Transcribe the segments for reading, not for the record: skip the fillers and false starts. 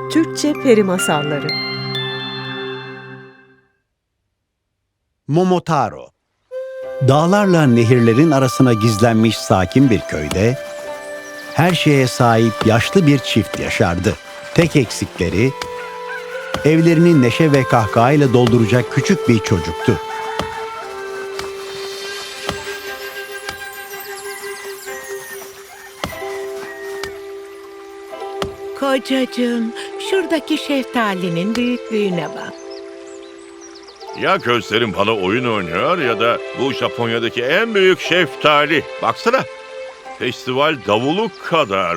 Türkçe Peri Masalları. Momotaro. Dağlarla nehirlerin arasına gizlenmiş sakin bir köyde her şeye sahip yaşlı bir çift yaşardı. Tek eksikleri evlerini neşe ve kahkahayla dolduracak küçük bir çocuktu. Kocacığım, şuradaki şeftalinin büyüklüğüne bak. Ya gözlerim bana oyun oynuyor ya da bu Japonya'daki en büyük şeftali. Baksana, festival davulu kadar.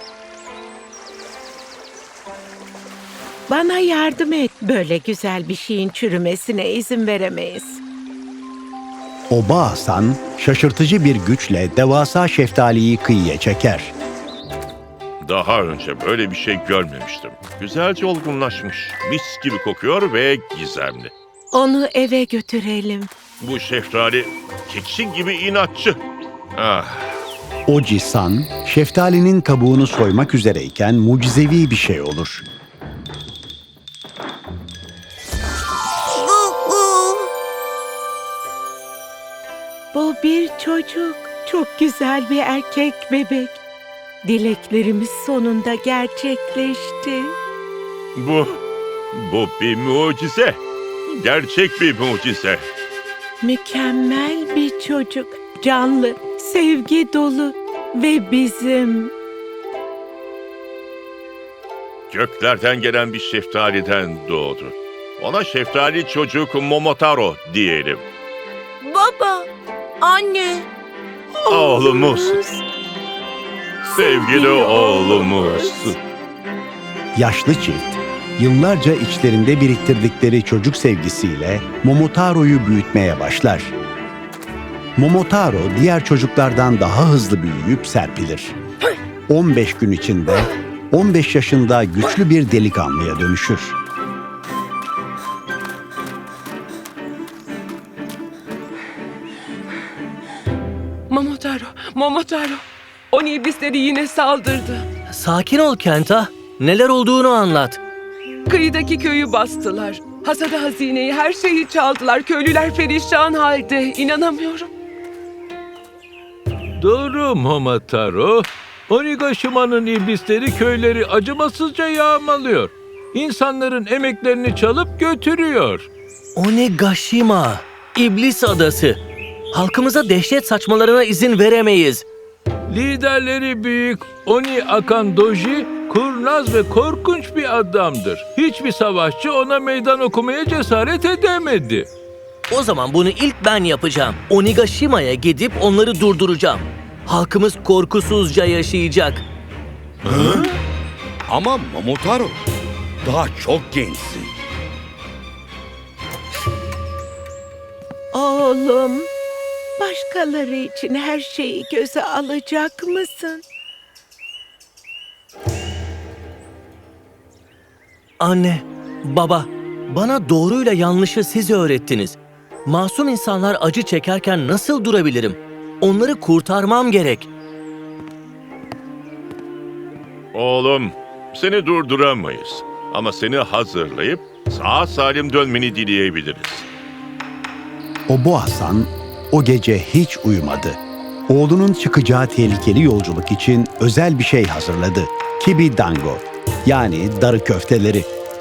Bana yardım et. Böyle güzel bir şeyin çürümesine izin veremeyiz. Oba Hasan şaşırtıcı bir güçle devasa şeftaliyi kıyıya çeker. Daha önce böyle bir şey görmemiştim. Güzelce olgunlaşmış, mis gibi kokuyor ve gizemli. Onu eve götürelim. Bu şeftali keçi gibi inatçı. Ah, Oji-san, şeftalinin kabuğunu soymak üzereyken mucizevi bir şey olur. Bu bir çocuk. Çok güzel bir erkek bebek. Dileklerimiz sonunda gerçekleşti. bu bir mucize. Gerçek bir mucize. Mükemmel bir çocuk. Canlı, sevgi dolu ve bizim. Göklerden gelen bir şeftaliden doğdu. Ona şeftali çocuk Momotaro diyelim. Baba, anne. Oğlumuz. Sevgili oğlumuz. Yaşlı çift, yıllarca içlerinde biriktirdikleri çocuk sevgisiyle Momotaro'yu büyütmeye başlar. Momotaro diğer çocuklardan daha hızlı büyüyüp serpilir. 15 gün içinde 15 yaşında güçlü bir delikanlıya dönüşür. Momotaro. Oni iblisleri yine saldırdı. Sakin ol Kenta. Neler olduğunu anlat. Kıyıdaki köyü bastılar. Hasada hazineyi, her şeyi çaldılar. Köylüler perişan halde. İnanamıyorum. Doğru Momotaro. Onigashima'nın iblisleri köyleri acımasızca yağmalıyor. İnsanların emeklerini çalıp götürüyor. Onigashima, İblis Adası. Halkımıza dehşet saçmalarına izin veremeyiz. Liderleri büyük Oni Akan Doji, kurnaz ve korkunç bir adamdır. Hiçbir savaşçı ona meydan okumaya cesaret edemedi. O zaman bunu ilk ben yapacağım. Onigashima'ya gidip onları durduracağım. Halkımız korkusuzca yaşayacak. Ama Momotaro, daha çok gençsin. Oğlum, başkaları için her şeyi göze alacak mısın? Anne, baba, bana doğruyla yanlışı siz öğrettiniz. Masum insanlar acı çekerken nasıl durabilirim? Onları kurtarmam gerek. Oğlum, seni durduramayız. Ama seni hazırlayıp sağ salim dönmeni dileyebiliriz. Obo Hasan o gece hiç uyumadı. Oğlunun çıkacağı tehlikeli yolculuk için özel bir şey hazırladı. Kibi dango, yani darı köfteleri.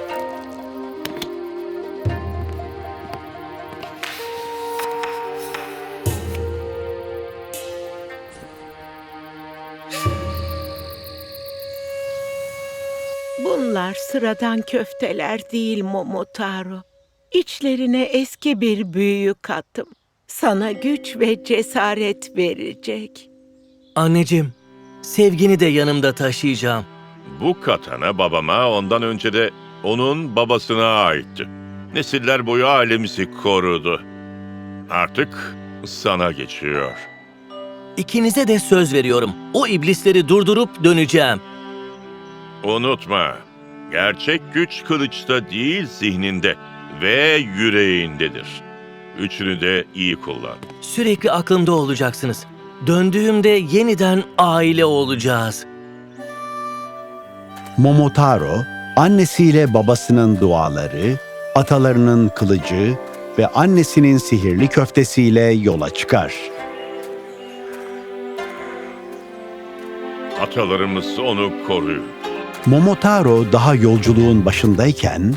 Bunlar sıradan köfteler değil Momotaro. İçlerine eski bir büyü kattım. Sana güç ve cesaret verecek. Anneciğim, sevgini de yanımda taşıyacağım. Bu katana babama ondan önce de onun babasına aitti. Nesiller boyu ailemizi korudu. Artık sana geçiyor. İkinize de söz veriyorum. O iblisleri durdurup döneceğim. Unutma, gerçek güç kılıçta değil zihninde ve yüreğindedir. Üçünü de iyi kullan. Sürekli aklımda olacaksınız. Döndüğümde yeniden aile olacağız. Momotaro Annesiyle babasının duaları, atalarının kılıcı ve annesinin sihirli köftesiyle yola çıkar. Atalarımız onu koruyun. Momotaro daha yolculuğun başındayken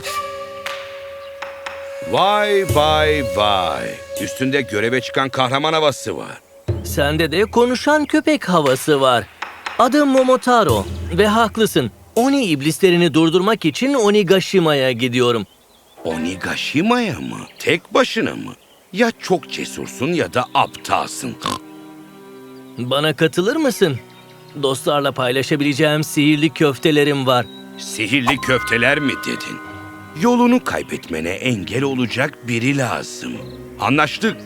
Vay vay vay. Üstünde göreve çıkan kahraman havası var. Sende de konuşan köpek havası var. Adım Momotaro ve haklısın. Oni iblislerini durdurmak için Onigashima'ya gidiyorum. Onigashima'ya mı? Tek başına mı? Ya çok cesursun ya da aptalsın. Bana katılır mısın? Dostlarla paylaşabileceğim sihirli köftelerim var. Sihirli köfteler mi dedin? Yolunu kaybetmene engel olacak biri lazım. Anlaştık.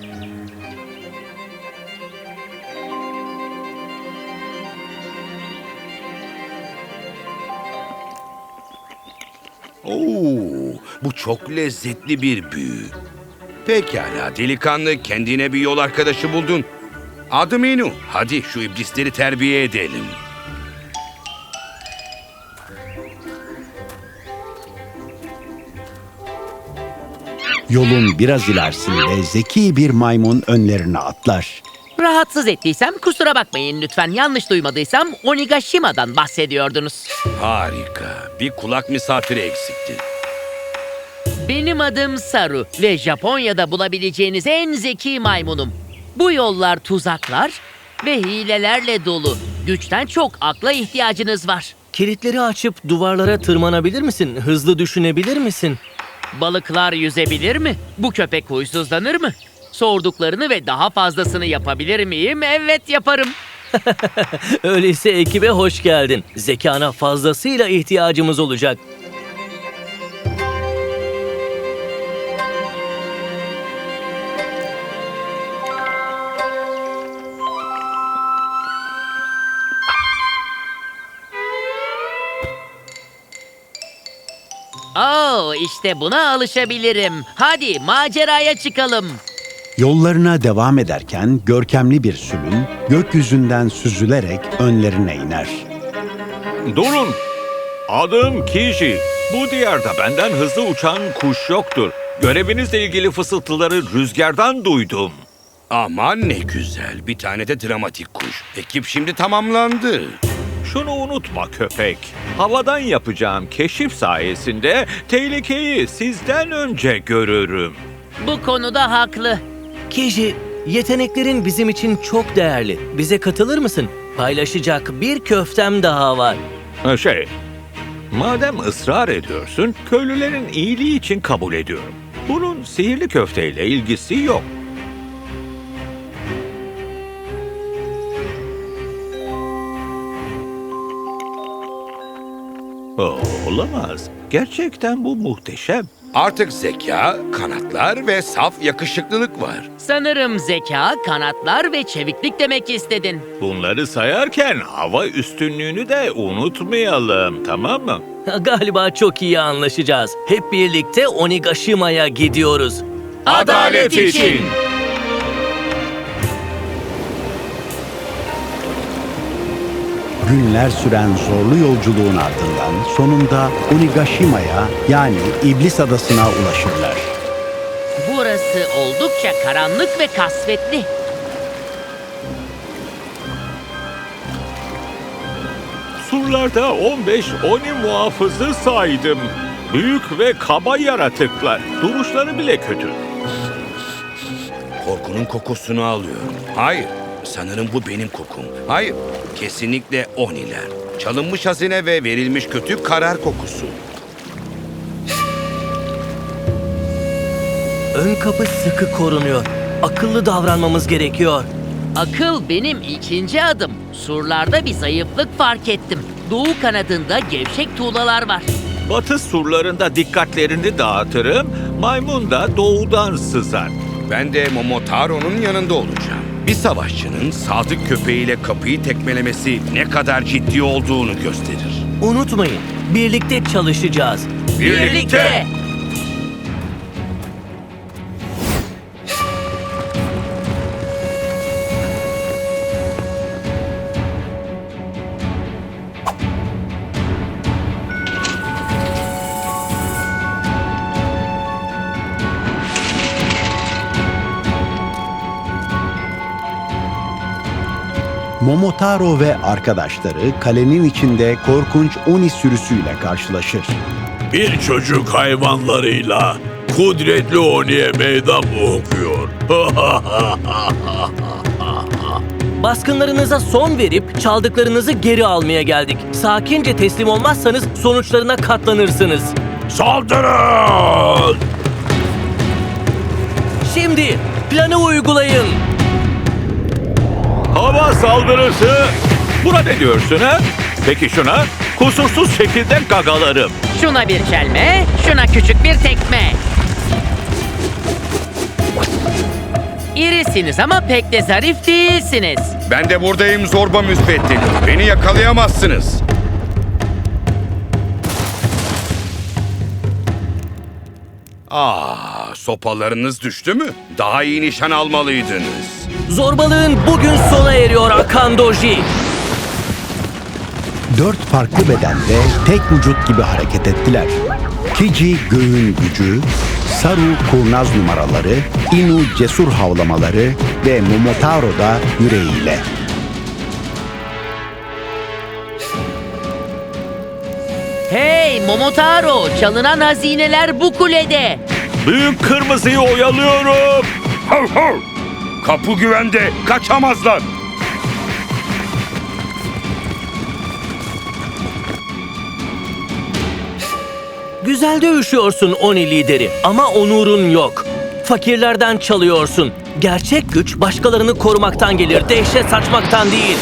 Oo, bu çok lezzetli bir büyü. Pekala delikanlı, kendine bir yol arkadaşı buldun. Adım Inu. Hadi şu iblisleri terbiye edelim. yolun biraz ilerisinde zeki bir maymun önlerine atlar. Rahatsız ettiysem kusura bakmayın lütfen. Yanlış duymadıysam Onigashima'dan bahsediyordunuz. Harika. Bir kulak misafiri eksikti. Benim adım Saru ve Japonya'da bulabileceğiniz en zeki maymunum. Bu yollar tuzaklar ve hilelerle dolu. Güçten çok akla ihtiyacınız var. Kilitleri açıp duvarlara tırmanabilir misin? Hızlı düşünebilir misin? Balıklar yüzebilir mi? Bu köpek huysuzlanır mı? Sorduklarını ve daha fazlasını yapabilir miyim? Evet, yaparım. Öyleyse ekibe hoş geldin. Zekana fazlasıyla ihtiyacımız olacak. İşte buna alışabilirim. Hadi maceraya çıkalım. Yollarına devam ederken görkemli bir sülün gökyüzünden süzülerek önlerine iner. Durun! Adım Kiji. Bu diyarda benden hızlı uçan kuş yoktur. Görevinizle ilgili fısıltıları rüzgardan duydum. Aman ne güzel. Bir tane de dramatik kuş. Ekip şimdi tamamlandı. Şunu unutma köpek. Havadan yapacağım keşif sayesinde tehlikeyi sizden önce görürüm. Bu konuda haklı. Kiji, yeteneklerin bizim için çok değerli. Bize katılır mısın? Paylaşacak bir köftem daha var. Madem ısrar ediyorsun, köylülerin iyiliği için kabul ediyorum. Bunun sihirli köfteyle ilgisi yok. Olamaz. Gerçekten bu muhteşem. Artık zeka, kanatlar ve saf yakışıklılık var. Sanırım zeka, kanatlar ve çeviklik demek istedin. Bunları sayarken hava üstünlüğünü de unutmayalım, tamam mı? Galiba çok iyi anlaşacağız. Hep birlikte Onigashima'ya gidiyoruz. Adalet için! Günler süren zorlu yolculuğun ardından sonunda Onigashima'ya yani İblis Adası'na ulaşırlar. Burası oldukça karanlık ve kasvetli. Surlarda 15 Oni muhafızı saydım. Büyük ve kaba yaratıklar. Duruşları bile kötü. Korkunun kokusunu alıyorum. Hayır, sanırım bu benim kokum. Hayır, kesinlikle Oniler. Çalınmış hazine ve verilmiş kötü karar kokusu. Ön kapı sıkı korunuyor. Akıllı davranmamız gerekiyor. Akıl benim ikinci adım. Surlarda bir zayıflık fark ettim. Doğu kanadında gevşek tuğlalar var. Batı surlarında dikkatlerini dağıtırım. Maymun da doğudan sızar. Ben de Momotaro'nun yanında olacağım. Bir savaşçının sadık köpeğiyle kapıyı tekmelemesi ne kadar ciddi olduğunu gösterir. Unutmayın, birlikte çalışacağız. Birlikte! Momotaro ve arkadaşları kalenin içinde korkunç Oni sürüsüyle karşılaşır. Bir çocuk hayvanlarıyla kudretli Oni'ye meydan mı okuyor? Baskınlarınıza son verip çaldıklarınızı geri almaya geldik. Sakince teslim olmazsanız sonuçlarına katlanırsınız. Saldırın! Şimdi planı uygulayın. Hava saldırısı! Buna ne diyorsun ha? Peki şuna? Kusursuz şekilde gagalarım. Şuna bir çelme, şuna küçük bir tekme. İrisiniz ama pek de zarif değilsiniz. Ben de buradayım zorba müsbeddeli. Beni yakalayamazsınız. Sopalarınız düştü mü? Daha iyi nişan almalıydınız. Zorbalığın bugün sona eriyor Akan Doji. 4 farklı bedende tek vücut gibi hareket ettiler. Kiji göğün gücü, Saru kurnaz numaraları, Inu cesur havlamaları ve Momotaro da yüreğiyle. Hey Momotaro, çalınan hazineler bu kulede. Büyük kırmızıyı oyalıyorum. Hav hav! Kapı güvende, kaçamazlar. Güzel dövüşüyorsun Oni lideri ama onurun yok. Fakirlerden çalıyorsun. Gerçek güç başkalarını korumaktan gelir, dehşet saçmaktan değil.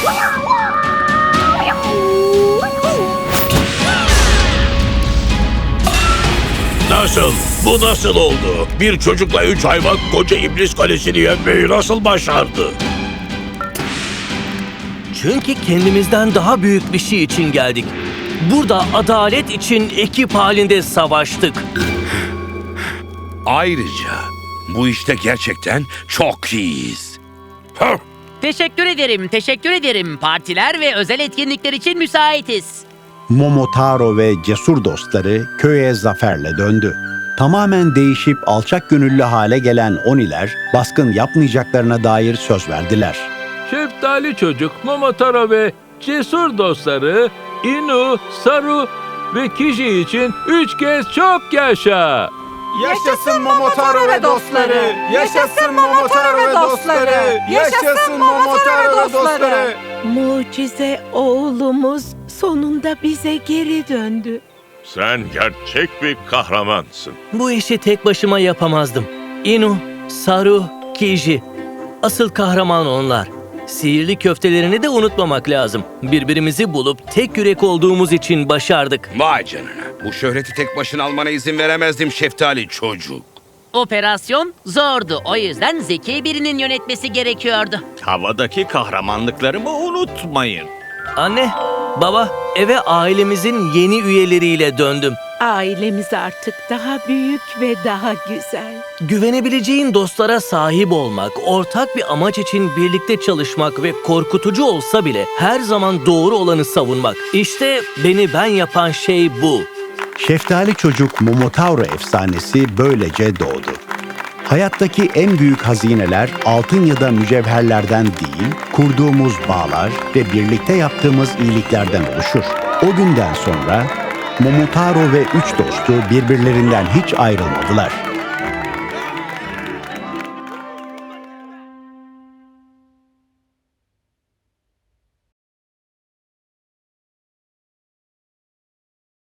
Nasıl? Bu nasıl oldu? Bir çocukla 3 hayvan koca iblis kalesini yenmeyi nasıl başardı? Çünkü kendimizden daha büyük bir şey için geldik. Burada adalet için ekip halinde savaştık. Ayrıca bu işte gerçekten çok iyiyiz. Hav! Teşekkür ederim, teşekkür ederim. Partiler ve özel etkinlikler için müsaitiz. Momotaro ve cesur dostları köye zaferle döndü. Tamamen değişip alçak gönüllü hale gelen Oniler baskın yapmayacaklarına dair söz verdiler. Şeftali çocuk Momotaro ve cesur dostları Inu, Saru ve Kiji için 3 kez çok yaşa! Yaşasın Momotaro ve dostları! Yaşasın Momotaro ve dostları! Yaşasın Momotaro ve dostları! Mucize oğlumuz sonunda bize geri döndü. Sen gerçek bir kahramansın. Bu işi tek başıma yapamazdım. Inu, Saru, Kiji. Asıl kahraman onlar. Sihirli köftelerini de unutmamak lazım. Birbirimizi bulup tek yürek olduğumuz için başardık. Vay canına. Bu şöhreti tek başına almana izin veremezdim şeftali çocuk. Operasyon zordu. O yüzden zeki birinin yönetmesi gerekiyordu. Havadaki kahramanlıklarımı unutmayın. Anne, baba, eve ailemizin yeni üyeleriyle döndüm. Ailemiz artık daha büyük ve daha güzel. Güvenebileceğin dostlara sahip olmak, ortak bir amaç için birlikte çalışmak ve korkutucu olsa bile her zaman doğru olanı savunmak. İşte beni ben yapan şey bu. Şeftali çocuk Momotaro efsanesi böylece doğdu. Hayattaki en büyük hazineler altın ya da mücevherlerden değil, kurduğumuz bağlar ve birlikte yaptığımız iyiliklerden oluşur. O günden sonra Momotaro ve 3 dostu birbirlerinden hiç ayrılmadılar.